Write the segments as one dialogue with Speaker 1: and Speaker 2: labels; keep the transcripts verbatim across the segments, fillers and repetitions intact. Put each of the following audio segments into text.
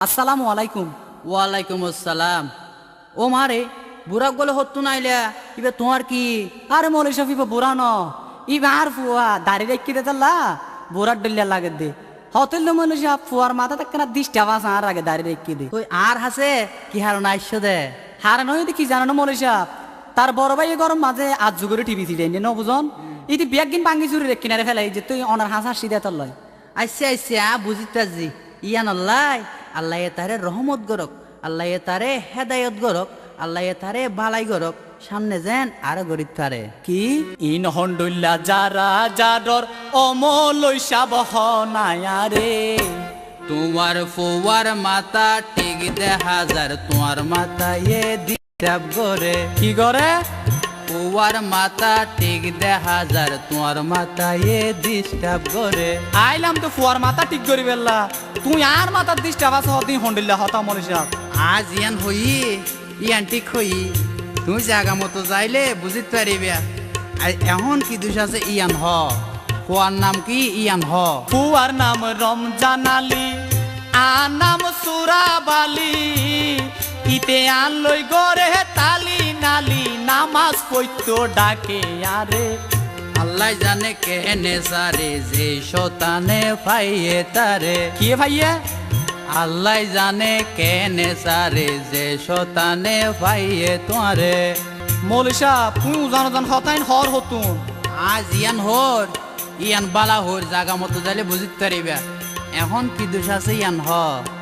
Speaker 1: আসসালামু আলাইকুম।
Speaker 2: ওয়ালাইকুম আসসালাম। ও মারে বুড়া গলে হতো নাইলে ইবে তোমার কি?
Speaker 1: আরে মৌলি শফিফ বুড়া ন ইবা আর ফুয়া দাড়ি রেখে দে তাল্লা বুড়ার ডলিয়া লাগে দে হতেল মৌলি সাহ ফুয়ার মাথা তাকে না দিশটা বাস আর আগে দাড়ি রেখে দে
Speaker 2: ওই আর হাসে কি হার নাইছো দে
Speaker 1: হারে নয় কি জানো না মৌলি সাহ তার বড় ভাই গরম মাঝে আজ যুগরে টিভি ছিল ন বুঝন ইতি বিয়াক দিন ভাঙ্গি চুরি রেখে না ফেলাই যে তুই অনার হাস হাসি দে তোর লয়
Speaker 2: আইসে আইসে আ বুঝিতাজি ইয়ান আল্লাহ আল্লাহ তারে রহমত গরক, আল্লাহ তারে হেদায়ত গরক, আল্লাহ তারে বালাই গরক, সামনে যেন আরো গরিব পারে
Speaker 1: কি ইন হন্ডুল্লা যারা যাদর অমলই সাবহ নায়ারে
Speaker 2: তোমার ফোয়ার মাথা ঠিক দে হাজার তোমার মাথা এ ডিস্টার্ব করে
Speaker 1: কি করে
Speaker 2: ফোয়ার মাথা ঠিক দে হাজার তোমার মাথা এ ডিস্টার্ব করে
Speaker 1: আইলাম তো ফুয়ার মাথা ঠিক করি বেল্লা তুই আর মাথার দিশটা বাস হতি হন্ডিল্লা হতা মনে সাহ
Speaker 2: আজ ইয়ান হই ইয়ান ঠিক হই তুমি জায়গা মতো যাইলে বুঝিতে পারিবে এখন কি দুষ আছে ইয়ান হ ফোয়ার নাম কি ইয়ান হ
Speaker 1: ফুয়ার নাম রমজান আলী আর নাম সুরাবালি ইতে আন লই গরে তালি নালি নামাজ পড়তো ডাকে আরে
Speaker 2: আল্লাহ জানে কেনে সারে যে শতানে পাইয়ে তারে
Speaker 1: কি ভাইয়া
Speaker 2: আল্লাহ জানে কেনে সারে যে শতানে পাইয়ে তোরে
Speaker 1: মৌলি সাহ তুই জানো জান হতাইন হর হতুন
Speaker 2: আজ ইয়ান হর ইয়ান বালা হর জায়গা মতো যাইলে বুঝিতে পারিবে এখন কি দোষ আছে ইয়ান হ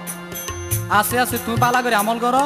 Speaker 1: আছে আছে তুই পালা করে আমল কর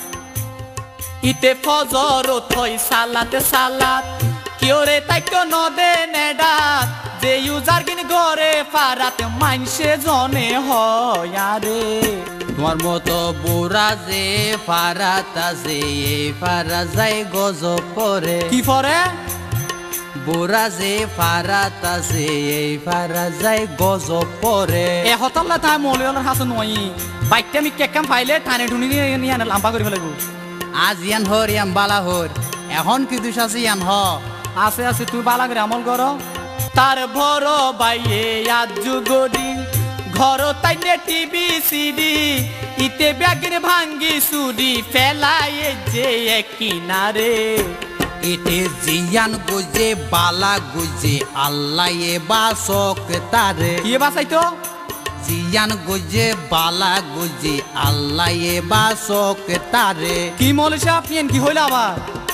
Speaker 1: ইতে ফজর থই সালাতে সালাত কিওরে তাইকো নদে নেডাত যে ইউজার কিন গরে ফারাতে মানসে জনে হয় আরে
Speaker 2: তোমার মতো বুড়া যে ফারাত আছে এই ফারা যাই গজব পরে
Speaker 1: কি ফরে
Speaker 2: বুড়া যে ফারাত আছে এই ফারা যাই গজব পরে
Speaker 1: এ হতাল্লা তাই মৌলিওয়ালার হাসে নই বাইকটা আমি কেকাম ফাইলে টানে ঢুনি নিয়ে নিয়ে আনে লাম্বা করে ফেলাইব
Speaker 2: আজ ইয়ান হর ইয়ান বালা হর এখন কি দুষ আছে ইয়ান হ
Speaker 1: আছে আছে তুই বালা করে আমল কর তার বড় বাইয়ে আজ যুগদি ঘর তাইনে টিভি সিডি ইতে ব্যাগের ভাঙ্গি সুডি ফেলাই যে এক কিনারে
Speaker 2: এতে জিয়ান গুজে বালা গুজে আল্লাহ এ বাসক তারে
Speaker 1: কি বাসাইতো
Speaker 2: জিয়ান গুজে বালা গুজে আল্লাহ এ বাসক তারে
Speaker 1: কি মৌলি সাহেব পিয়েন কি হইল আবার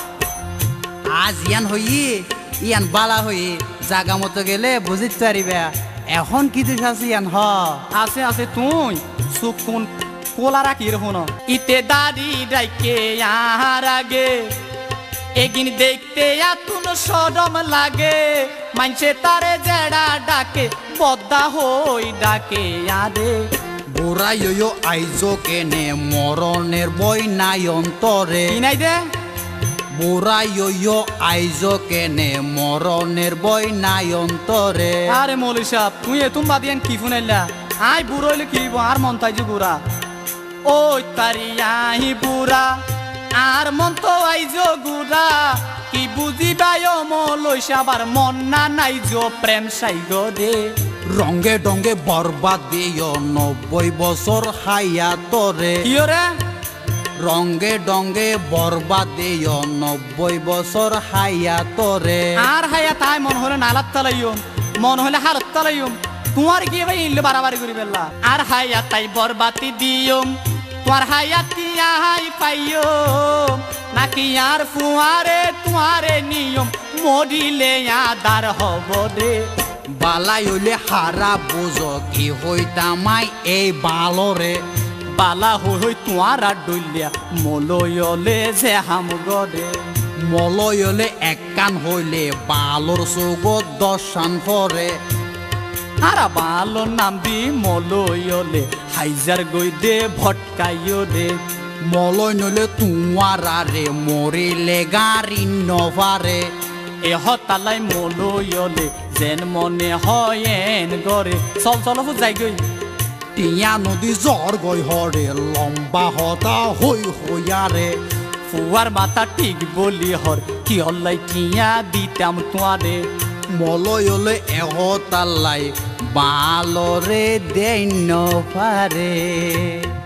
Speaker 2: আজ ইয়ান হই ইয়ান বালা হই জাগা মতো গেলে বুঝিতে পারিবে এখন কি দুষ আছে ইয়ান হ
Speaker 1: আছে আছে তুই সুকুন কোলা রাখি রহুন ইতে দাড়ি ডাইকে আর আগে এগিন দেখতে আতুন সরম লাগে মানছে তারে জেড়া ডাকে বদ্দা হই ডাকে আরে
Speaker 2: বুড়া ইয়ো আইজো কেনে মরণের বই নাই অন্তরে
Speaker 1: কি নাই দে
Speaker 2: বুড়া ইয়ো আইজো কেনে মরণের বই নাই অন্তরে
Speaker 1: আরে মৌলি সাহেব তুই এতুম বাদিয়ান কি ফুনাইলা আই বুড়ো হইলে কি আর মন তাই যে বুড়া ওই তারি আই বুড়া আর মন তো আইজো গুড়া কি বুঝিবাই মৌলি সাহেব আর মন না নাই জো প্রেম সাই গো দে
Speaker 2: রঙ্গে ডঙ্গে বরবাদ দিও নব্বই বছর হাইয়া তরে
Speaker 1: কি রে
Speaker 2: রঙ্গে ডঙ্গে বরবাদ দিও নব্বই বছর হাইয়া তরে
Speaker 1: আর হাইয়া তাই মন হলে নালাত তালাইম মন হলে হালত তালাইম তোমার কি ভাই ইল্লে বাড়াবাড়ি করি বেলা আর হাইয়া তাই বরবাতি দিয়ম তোমার হাইয়া তিয়া হাই পাইও নাকি আর ফুয়ারে তোমারে নিয়ম মরিলে আদার হব রে
Speaker 2: বালাই হইলে হারা বুঝ কি হইতামাই এই বালরে
Speaker 1: বালা হই হই তোমার আর ডলিয়া মলয়লে যে হাম গরে
Speaker 2: মলয়লে এক কান হইলে বালর চৌগত দশান পরে
Speaker 1: আর বালোর নাম দি মলয়লে হাইজার গই দে ভটকাইও দে
Speaker 2: মলয় নলে তোমার আরে মরিলে গাড়ি নভারে
Speaker 1: এ হতালাই মলয়লে যেন মনে হয় এন গরে চল চল যাই গই
Speaker 2: টিয়া নদী জ্বর গই হরে লম্বা হতা হই হইয়ারে
Speaker 1: ফুয়ার মাথা ঠিক বলি হর কি হল্লাই টিয়া দিতাম তোয়ারে
Speaker 2: মলয়লে এহতাল্লাই বালরে দেন পারে।